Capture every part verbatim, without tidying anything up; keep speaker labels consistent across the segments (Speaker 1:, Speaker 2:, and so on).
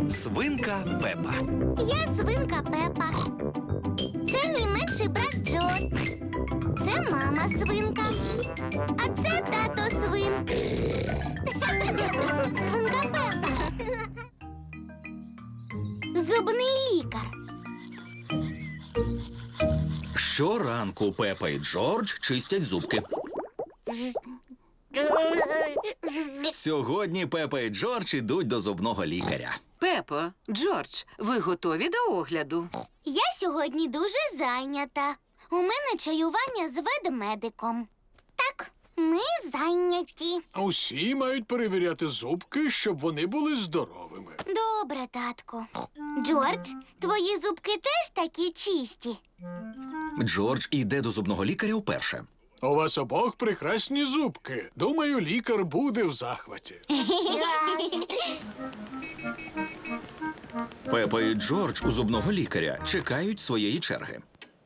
Speaker 1: Свинка Пепа.
Speaker 2: Я свинка Пепа. Це мій менший брат Джо. Це мама свинка. А це тато свин. Свинка Пепа. Зубний лікар.
Speaker 1: Щоранку Пепа і Джордж чистять зубки. Сьогодні Пепа і Джордж ідуть до зубного лікаря.
Speaker 3: Пепо, Джордж, ви готові до огляду?
Speaker 2: Я сьогодні дуже зайнята. У мене чаювання з ведмедиком. Так, ми зайняті.
Speaker 4: Усі мають перевіряти зубки, щоб вони були здоровими.
Speaker 2: Добре, татку. Джордж, твої зубки теж такі чисті.
Speaker 1: Джордж іде до зубного лікаря вперше.
Speaker 4: У вас обох прекрасні зубки. Думаю, лікар буде в захваті.
Speaker 1: Пепа і Джордж у зубного лікаря чекають своєї черги.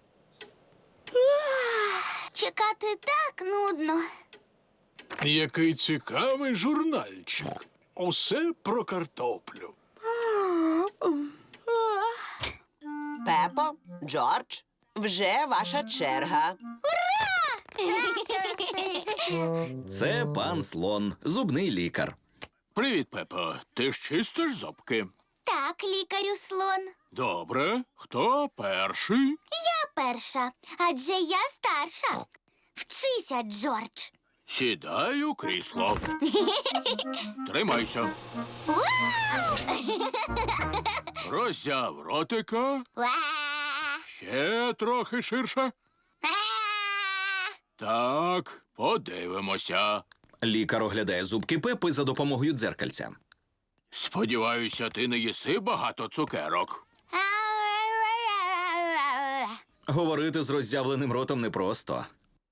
Speaker 2: Чекати так нудно.
Speaker 4: Який цікавий журнальчик. Усе про картоплю.
Speaker 5: Пепо, Джордж, вже ваша черга.
Speaker 1: Це пан Слон, зубний лікар.
Speaker 6: Привіт, Пепо. Ти ж чистиш зубки?
Speaker 2: Так, лікарю слон.
Speaker 6: Добре. Хто перший?
Speaker 2: Я перша, адже я старша. Вчися, Джордж.
Speaker 6: Сідай у крісло. Тримайся. Роззяв ротика.
Speaker 2: Ва!
Speaker 6: Ще трохи ширше.
Speaker 2: А!
Speaker 6: Так, подивимося.
Speaker 1: Лікар оглядає зубки Пепи за допомогою дзеркальця.
Speaker 6: Сподіваюся, ти не їси багато цукерок.
Speaker 1: Говорити з роззявленим ротом непросто.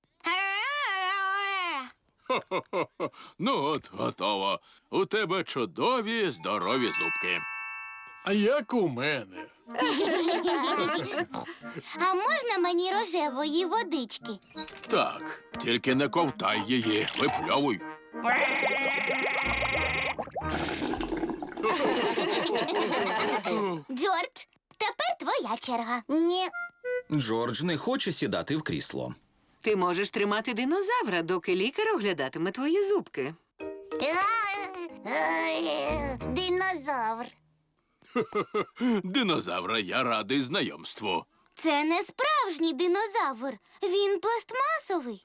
Speaker 6: Хо-хо-хо. Ну от, готово. У тебе чудові, здорові зубки.
Speaker 4: А як у мене?
Speaker 2: А можна мені рожевої водички?
Speaker 6: Так, тільки не ковтай її, випльовуй.
Speaker 2: Джордж, тепер твоя черга. Ні.
Speaker 1: Джордж не хоче сідати в крісло.
Speaker 3: Ти можеш тримати динозавра, доки лікар оглядатиме твої зубки.
Speaker 2: Динозавр.
Speaker 6: Динозавра, я радий знайомству.
Speaker 2: Це не справжній динозавр. Він пластмасовий.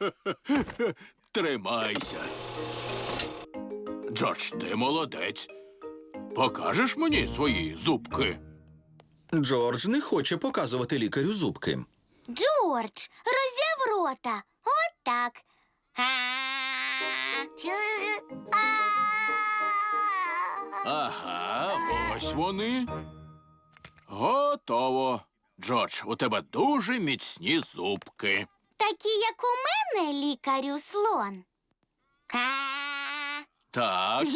Speaker 6: Тримайся. Джордж, ти молодець. Покажеш мені свої зубки?
Speaker 1: Джордж не хоче показувати лікарю зубки.
Speaker 2: Джордж, роззяв рота. От так.
Speaker 6: Ага, ось вони. Готово. Джордж, у тебе дуже міцні зубки.
Speaker 2: Такі, як у мене, лікарю слон.
Speaker 6: Так,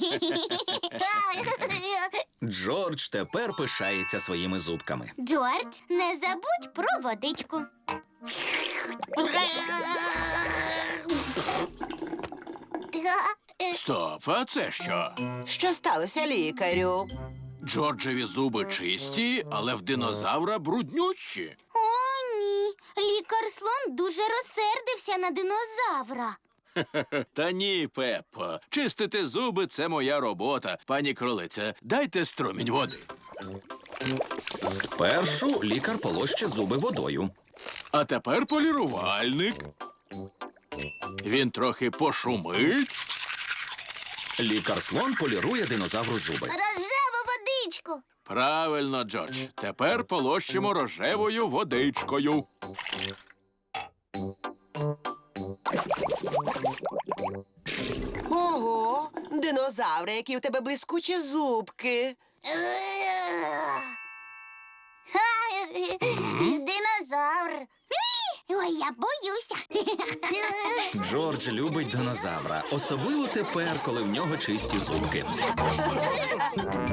Speaker 1: Джордж тепер пишається своїми зубками.
Speaker 2: Джордж, не забудь про водичку.
Speaker 6: стоп, а це що?
Speaker 5: Що сталося, лікарю?
Speaker 6: Джорджеві зуби чисті, але в динозавра бруднющі.
Speaker 2: О, ні. Лікар слон дуже розсердився на динозавра.
Speaker 6: Та ні, Пеппо. Чистити зуби – це моя робота. Пані кролице, дайте струмінь води.
Speaker 1: Спершу лікар полоще зуби водою.
Speaker 6: А тепер полірувальник. Він трохи пошумить.
Speaker 1: Лікар-слон полірує динозавру зуби.
Speaker 2: Рожеву водичку.
Speaker 6: Правильно, Джордж. Тепер полощимо рожевою водичкою.
Speaker 5: Ого, динозаври, які у тебе блискучі зубки.
Speaker 2: Динозавр. Ой, я боюся.
Speaker 1: Джордж любить динозавра, особливо тепер, коли в нього чисті зубки.